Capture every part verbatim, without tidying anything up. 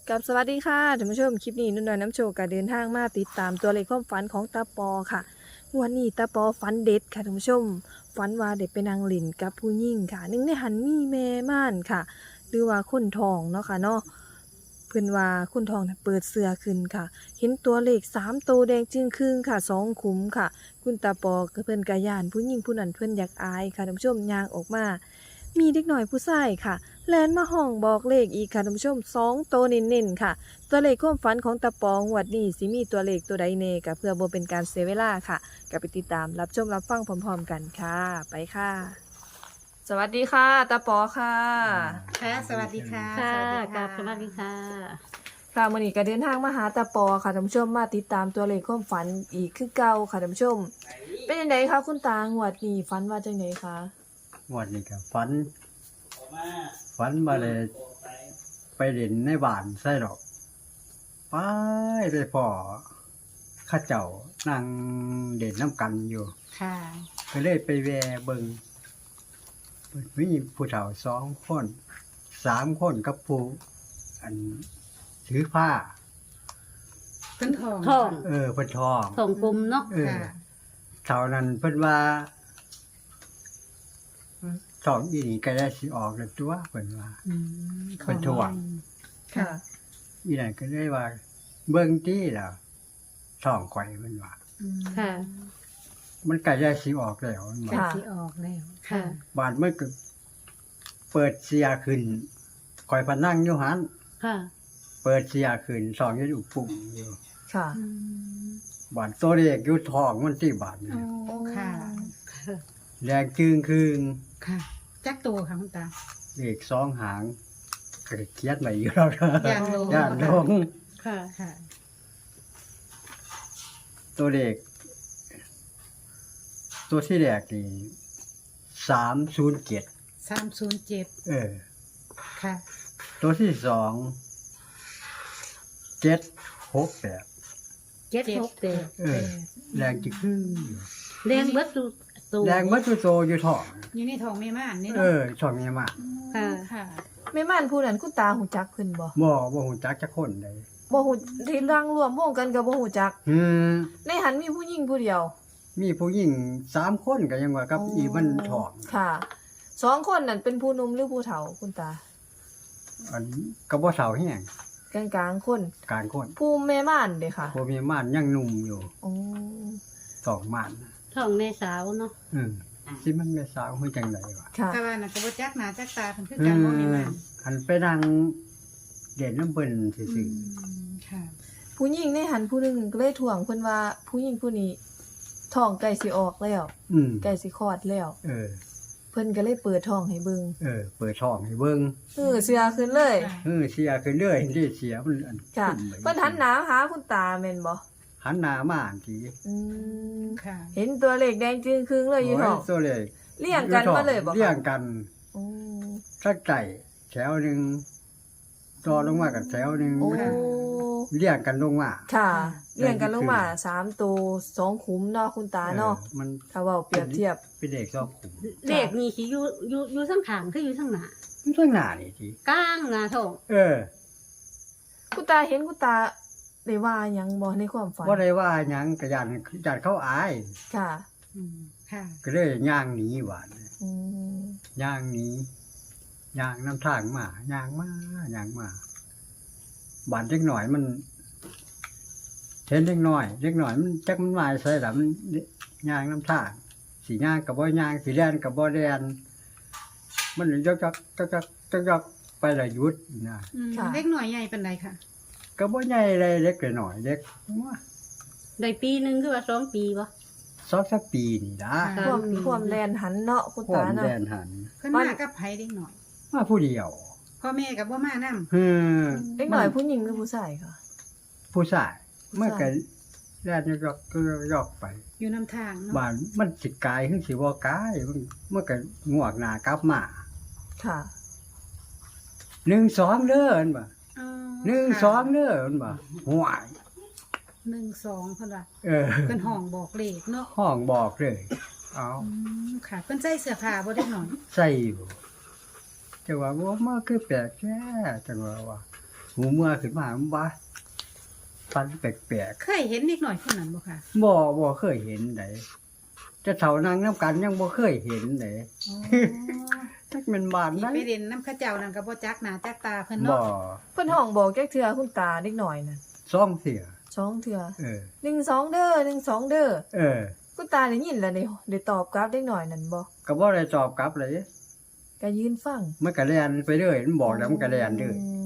กับสวัสดีค่ะท่านผู้ชมคลิปนี้นุ่นน้อยน้ำโชคก็เดินทางมาติดตามตัวเลขความฝันของตาปอค่ะวันนี้ตาปอฝันเด็ดค่ะท่านผู้ชมฝันว่าเด็กไปนางหลินกับผู้หญิงค่ะหนึ่งในหันมีแม่ม่านค่ะ หรือว่าคนทองเนาะค่ะเนาะเพิ่นว่าคนทองน่ะเปิดเสื้อขึ้นค่ะ เห็นตัวเลขสามตัวแดงจึงครึ่งค่ะสองขุมค่ะ คุณตาปอก็เพิ่นกะย่านผู้หญิงผู้นั้นเพิ่นอยากอายค่ะท่านผู้ชมย่างออกมา มีเด็กหน่อยผู้ชายค่ะแลนมาห้องบอกเลขอีกค่ะท่านผู้ชมสองตัวเน้นๆค่ะ ตัวเลขความฝันของตาปองงวดนี้สิมีตัวเลขตัวใดแน่ก็เพื่อบ่เป็นการเสียเวลาค่ะก็ไปติดตามรับชมรับฟังพร้อมๆกันค่ะ ไปค่ะ สวัสดีค่ะตาปอค่ะค่ะสวัสดีค่ะค่ะสวัสดีกับสวัสดีค่ะค่ะมื้อนี้ก็เดินทางมาหาตาปอค่ะท่านผู้ชมมาติดตามตัวเลขความฝันอีกคือเก่าค่ะท่านผู้ชม เป็นจังไดคะคุณตางวดนี้ฝันว่าจังไดคะวันนี้ก็ฝันฝันมาเลยไปเด่นในบ้านใส่ดอกไปไปพ่อข้าเจ้านั่งเด่นน้ำกันอยู่ค่ะก็เลยไปแวะเบิงมีผู้เฒ่าสองคนสามคนกับผู้อันถือผ้าเพิ่นทองทองเออเพิ่นทองทองกลมเนาะเออค่ะเท่านั้นเพิ่นว่าสองอีนี่ก็ได้สิออกแล้วตัวเพิ่นว่าอืมเพิ่นถ่วงค่ะอีนั่นก็เลยว่า เบิ่งที่ล่ะท้องข่อยมันว่าอืมค่ะมันก็ได้สิออกแล้วมันค่ะว่าที่ออกแล้วค่ะบาดมันก็เปิดเสียขึ้นข่อยพนั่งอยู่หันค่ะเปิดเสียขึ้นสองอยู่อยู่ปุ่มอยู่ค่ะอืมบาดตัวเลขอยู่ท้องมันที่บาดนี่โอ้ค่ะแดงจึงคืงค่ะจักตัวค่ะคุณตาเลขสองหางก็เขียนไว้อยู่แล้วนะย่านลงย่านลงค่ะค่ะตัวเลขตัวที่แรกนี่สามศูนย์เจ็ดสามศูนย์เจ็ดเออค่ะตัวที่สองเจ็ดหกแปดเจ็ดหกเจ็ดเออแรงจิคือเลี้ยงเบิดตูตูแรงมัดตัวโตอยู่ท้องอยู่ในทองแม่ม่านนี่เอเนาะอช่องนี้มากค่ะค่ะแม่ม่านผู้นั้นคุณตาหูจักเพิ่นบ่บ่บ่ฮู้จักจักคนใดบ่หูที่ร่างรวมวงกันก็บ่หูจักอืมในหันมีผู้หญิงผู้เดียวมีผู้หญิงสามคนก็ยังว่ากับอีมันท้องค่ะสองคนนั่นเป็นผู้หนุ่มหรือผู้เฒ่าคุณตาอันก็บ่เฒ่าแฮงกลางๆคนกลางคนผู้แม่ม่านเด้ค่ะบ่มีม่านยังหนุ่มอยู่อ๋อสองม่านทองแม่สาวเนาะอืมสิมันแม่สาวฮู้จังไดวะค่ะแต่ว่าน่ะก็บ่จักหน้าจักตาเพิ่นคืออืกันบ่แม่มม่านอันไปนั่งเด่นน้ำเพิ่นซื่อือมค่ะผู้หญิงในหันผู้หนึงก็เลยถ่วงเพิ่นว่า ผู้หญิงผู้นี้ท้องใกล้สิออกแล้วๆอืมใกล้สิคลอดแล้วเออเพิ่นก็เลยเปิดท้องให้เบิ่งเออ เปิดท้องให้เบิ่งเออเสียขึ้นเลยค่ะเออเสียขึ้นเรื่อยที่เสียมันอันค่ะขึ้นไปเพิ่นหันหน้าหาคุณตาแม่นบ่หันหน้ามาอันทีอืมค่ะเห็นตัวเลขแดงจึงครึ่งเลยอยู่ท้องโตัวเลยเรียงกันมาเลยบ่คะเรียงกันอืมสักไก่แถวหนึ่งต่อลงมากับแถวหนึ่งโอ้เรียงกันลงมาค่ะแดงเรียงกันลงมาขึ้นสามตัวสองขุมเนาะคุณตาเนาะออมันถ้าเว้าเปรียบเทียบเป็นเด็กชอบขุมเลขนี่สิอยู่อยู่อยู่ทั้งขางคืออยู่ทั้งหน้ามันต้องหน้านี่ทีกลางหน้าทองเออคุณตาเห็นคุณตาได้ว่าหยังบ่ในความฝันว่าได้ว่าหยังกระยานยานเขาอายค่ะอืมค่ะก็เลยย่างหนีหวานอืมย่างหนีย่างน้ำทางมาย่างมาย่างมาบานเล็กหน่อยมันเห็นเล็กน้อยเล็กหน่อยมันจักมันลายใส่ละมันย่างน้ำทางสีย่างกับบ่ย่างสีแดนกับบ่แดนมันยกจักจักจักจักจักไปละยุดนะอืมเล็กหน่อยใหญ่ปานใดค่ะก็บ่ใหญ่เลยเล็กหน่อยเล็กว่าได้ปีหนึงคือว่าสองปีบ่สองสักปีนี่นะค่ะความความแลนหันเนาะคุณพ่อตาม เนาะแดนหันเพิ่นมากับไผเด็กหน่อยมาผู้เดียวพ่อแม่กับบ่มานํเฮ้อเด็กหน่อยผู้หญิงหรือผู้ชายค่ะผู้ชายผู้ชายเมื่อกี้แล่นยอกก็ยอกไปอยู่นำทางเนาะบ้านมันสิกายขึ้นสิบ่กายมันเมื่อกี้งวกหน้ากลับมาค่ะหนึ่งสองเด้ออันบ่อ๋อหนึ่งค่ะสองเด้ออันบ่ห่วยหนึ่งสองเพิ่นว่าเออเพิ่นห้องบอกเลขเนาะห้องบอกเลยเอาอืมค่ะเพิ่นใส่เสื้อผ้าบ่ได้หน่อยใส่อยู่จังว่าบ่มาคือแปลกแท้จังว่าว่าหหูเมื่อขึ้นมามันว่าฟันแปลกเคยเห็นนิดหน่อยคนนั้นบ่ค่ะๆบ่บ่เคยเห็นไดจะเฒ่านางน้ำกันยังบ่เคยเห็นไดอ๋อจักแม่นบ้านที่ได้ไปเรียนน้ำเข้าเจ้านั่นก็บ่จักหน้าจักตาเพิ่นบ่เนาะเพิ่นห้องบอกแก๊กเทื่อคุณตาเด็กหน่อยนั่นซ่องเสียสองเทื่อเออหนึ่งสองเด้อหนึ่งสองเด้อเออคุณตาได้ยินแล้วได้ได้ตอบกลับเด็กหน่อยนั่นบ่ก็บ่ได้ตอบกลับเลยก็ยืนฟังมันก็แล่นไปเรื่อยมันบอกแล้วมันก็แล่นเรื่อยม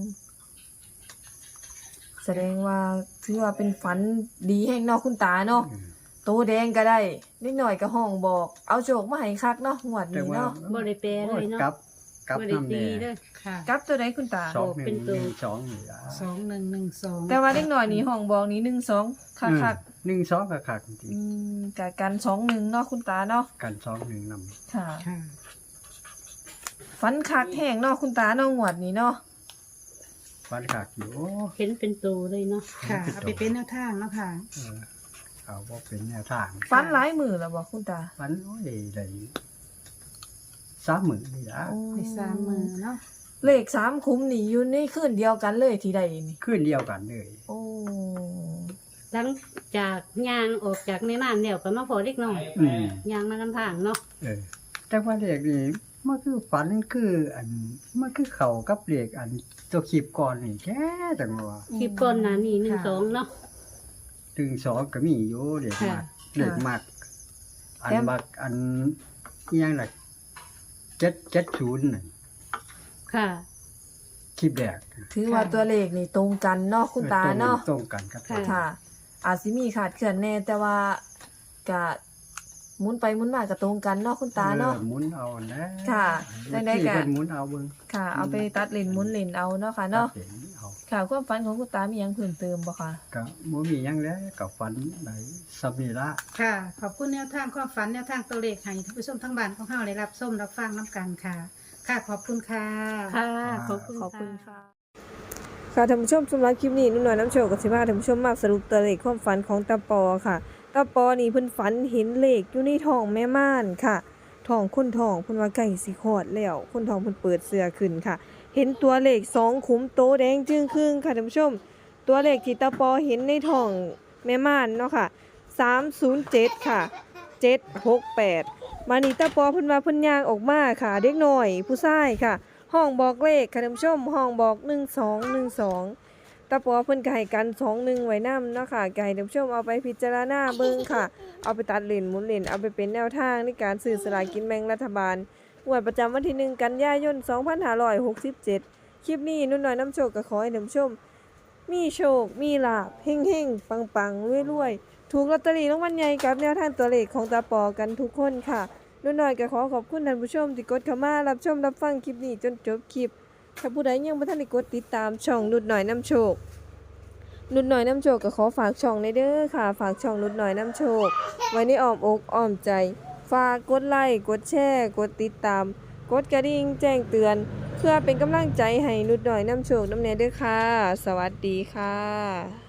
แสดงว่าถือว่าเป็นฝันดีแห่งเนาะคุณตาเนาะเออโตแดงก็ได้นิดหน่อยก็ห้องบอก เอาโจกมาให้คักเนาะงวดแต่นี้ว่าเนาะบ่ได้แปลเลยเนาะกลับกลับบ่ได้นำตีแน่เด้อค่ะกลับตัวใดคุณตาสองหเป็นึ่นงตัวหนึ่งสองนี่ล่ะสองหนึ่งหนึ่งสองแต่ว่าเด็กหน่อยนี่ห้องบอกนี่หนึ่งสองคักคักหนึ่งสองก็คักจริงอืมกะกันสองหนึ่งเนาะคุณตาเนาะๆกันสองหนึ่งนำค่ะค่ะฝันคักแห้งเนาะคุณตาเนาะงวดนี้เนาะฟันคักอยู่เห็นเป็นตัวเลยเนาะค่ะเอาไปเป็นแนวทางเนาะค่ะเออเอาบ่เป็นแนวทางฝันหลายมือแล้วบ่คุณตาฟันโอ้ยได้สามหมื่นนี่ล่ะโอ้ในสามมือเนาะเลขสามคุ้มนี่อยู่ในคืนเดียวกันเลยที่ใดนี่ขึ้นเดียวกันเลยโอ้หลังจากย่างออกจากในบ้านแล้วก็มาพอเด็กน้อยอืมย่างมาลำพังเนาะเออ แต่ว่าเด็กนี่มันคือฝันคืออันมันคือเข้ากับเด็กอันตัวคลิปก่อนนี่แค่จังว่าคลิปก่อนหน้านี้หนึ่งสองเนาะถึงสองก็มีอยู่เด็กค่ะมักเด็กมัก อันบักอันอิหยังล่ะเจ็ดเจ็ดศูนย์น่ะค่ะคลิปแรกถือว่าตัวเลขนี่ตรงกันเนาะคุณตาเนาะตรงกันครับค่ะค่ะ อาจสิมีขาดเขื่อนแน่แต่ว่ากะหมุนไปหมุนมาก็ตรงกันเนาะคุณตาเนาะออหมุนเอานะค่ะจังใดก็ที่เพิ่นหมุนเอาเบิ่งค่ะ เอาไปตัดเลนหมุนเลนเอาเนาะค่ะเนาะตัดสินเอาค่ะความฝันของคุณตามีหยังเพิ่มเติมบ่คะก็บ่มีหยังแล้วก็ฝันได้สำนี้ละค่ะ ขอบคุณแนวทางความฝันแนวทางตัวเลขให้ท่านผู้ชมทั้งบ้านของเฮาได้รับชมรับฟังน้ำกันค่ะ ค่ะ ขอบคุณค่ะค่ะ ขอบคุณขอบคุณค่ะค่ะค่ะท่านผู้ชมสำหรับคลิปนี้นุ่นน้อยน้ำโชคกับสิพาท่านผู้ชมมาสรุปตัวเลขความฝันของตาปอค่ะตาปอนี่เพิ่นฝันเห็นเลขอยู่ในท้องแม่ม่านค่ะท้องคนท้องเพิ่นว่าใกล้สิคลอดแล้วคนท้องเพิ่นเปิดเสื้อขึ้นค่ะ เห็นตัวเลขสองขุมโตแดงจึงครึ่งค่ะท่านผู้ชม ตัวเลขที่ตาปอเห็นในท้องแม่ม่านเนาะค่ะสามศูนย์เจ็ดค่ะเจ็ดหกแปดมานี่ตาปอเพิ่นว่าเพิ่นย่างออกมาค่ะเด็กน้อยผู้ชายค่ะ ห้องบอกเลขค่ะท่านผู้ชมห้องบอกหนึ่งสองหนึ่งสองตาปอเพิ่นก็ให้กันสองหนึ่งไว้นำเนาะค่ะก็ให้ท่านผู้ชมเอาไปพิจารณาเบิ่งค่ะ เอาไปตัดเลนหมุนเลนเอาไปเป็นแนวทางในการซื้อสลากกินแบ่งรัฐบาลงวดประจำวันที่หนึ่งกันยายนสองพันห้าร้อยหกสิบเจ็ดคลิปนี้นุ่นน้อยน้ำโชคก็ขอให้ท่านผู้ชม มีโชค มีลาภเฮงๆ ปังๆรวยๆ ถูกลอตเตอรี่รางวัลใหญ่กับแนวทางตัวเลขของตาปอกันทุกคนค่ะนุ่นน้อยก็ขอขอบคุณท่านผู้ชมที่กดเข้ามารับชมรับฟังคลิปนี้จนจบคลิป ถ้าผู้ใดยังบ่ทันได้กดติดตามช่องนุดหน่อยน้ำโชค นุดหน่อยน้ำโชคก็ขอฝากช่องในเด้อค่ะ ฝากช่องนุดหน่อยน้ำโชค ไว้ในอ้อมอกอ้อมใจ ฝากกดไลค์กดแชร์กดติดตาม กดกระดิ่งแจ้งเตือน เพื่อเป็นกำลังใจให้นุดหน่อยน้ำโชคน้ำแน่เด้อค่ะ สวัสดีค่ะ